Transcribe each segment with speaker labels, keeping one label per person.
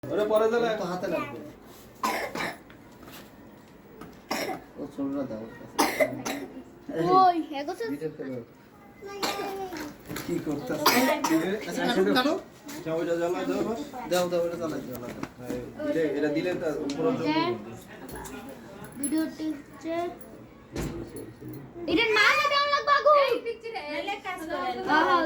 Speaker 1: ওরে পরে দিলে
Speaker 2: তো হাতে লাগবে ও ছোটরা দাও
Speaker 3: ওই এগোছে
Speaker 2: ভিডিও করে
Speaker 1: কি করতেছ
Speaker 2: আচ্ছা কাটো কাটো
Speaker 1: চাউটা জ্বালা দাও
Speaker 2: দাও দাও এটা চালাই দাও
Speaker 1: এটা দিলে তো উপর
Speaker 3: ভিডিওটি হচ্ছে এটা না না দেওয়া লাগবে আগু এই পিকচারে এলে কাজ করে হ্যাঁ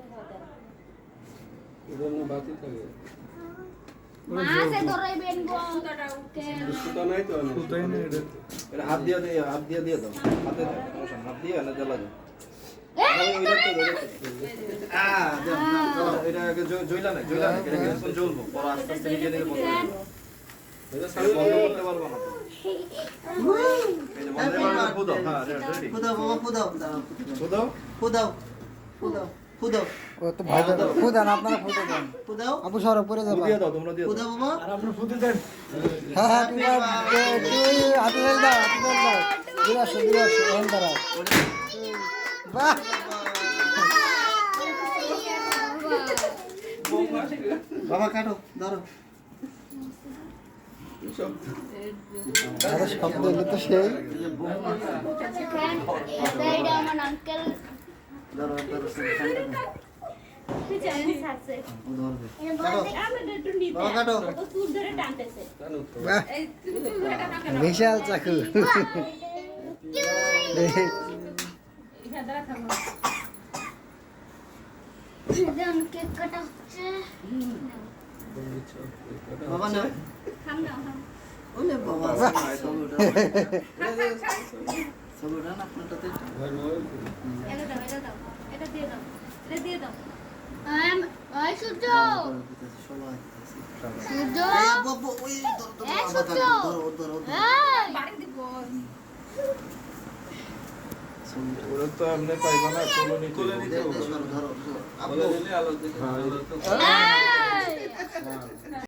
Speaker 1: এটা না বাতি থাকে
Speaker 3: মাসে ধরাইবেন গো ওকে
Speaker 1: সুতা নাই তো সুতাই না এটা হাত দিয়ে দিয়ে দাও হাতে দাও সমস্যা হাত দিয়ে না জ্বালা দাও এটা জইলা না এটা কিছুক্ষণ জ্বলবো পরে আস্তে আস্তে নিয়ে দিলে বন্ধ এটা সাথে বন্ধ করতে পারবো না এই যে বন্ধ করে ফুদাও হ্যাঁ রেডি
Speaker 2: ফুদাও বাবা ফুদাও
Speaker 1: ফুদাও
Speaker 2: ফুদাও ফুদাও ফুদাও
Speaker 4: ও তো ভাই ফুদান আপনারা ফুদে দেন
Speaker 2: ফুদাও
Speaker 4: আপু সর উপরে যাবা
Speaker 1: দিয়ে দাও তোমরা দিয়ে দাও
Speaker 2: ফুদাও বাবা
Speaker 1: আর আপনারা ফুদে দেন
Speaker 4: হ্যাঁ হ্যাঁ তুমি হাতে ধরে দাও দিয়ে আসো এখান দাঁড়াও বাহ
Speaker 2: বাবা কাটো ধরো
Speaker 4: আরে শব্দ এলে তো সেই
Speaker 3: এটা আমার আঙ্কেল
Speaker 2: ধরো ধরো
Speaker 3: জানি সাথে
Speaker 2: ও ধরবে
Speaker 3: কাটো আমরা একটু নিতে
Speaker 2: বাবা কাটো
Speaker 3: তো সুর ধরে টানতেছে
Speaker 4: বাহ বিশাল চাকু
Speaker 3: দেন কেক কাটা হচ্ছে
Speaker 2: বাবা না
Speaker 3: খাম না খাম
Speaker 2: ওলে বাবা সবুরা না আপনারটাতে
Speaker 3: এটা দাও এটা দিয়ে দাও এটা দিয়ে দাও ওই সূর্য
Speaker 2: সবাই
Speaker 3: সূর্য
Speaker 2: বাবা ওই
Speaker 3: এই সূর্য
Speaker 2: ধরো ধরো
Speaker 3: এই বাড়ি দিব
Speaker 1: ওরা তো আপনি পাইবা না কোলে নিতে
Speaker 2: ধরো ধরো
Speaker 1: আলো দিলে আলো দিলে
Speaker 3: এই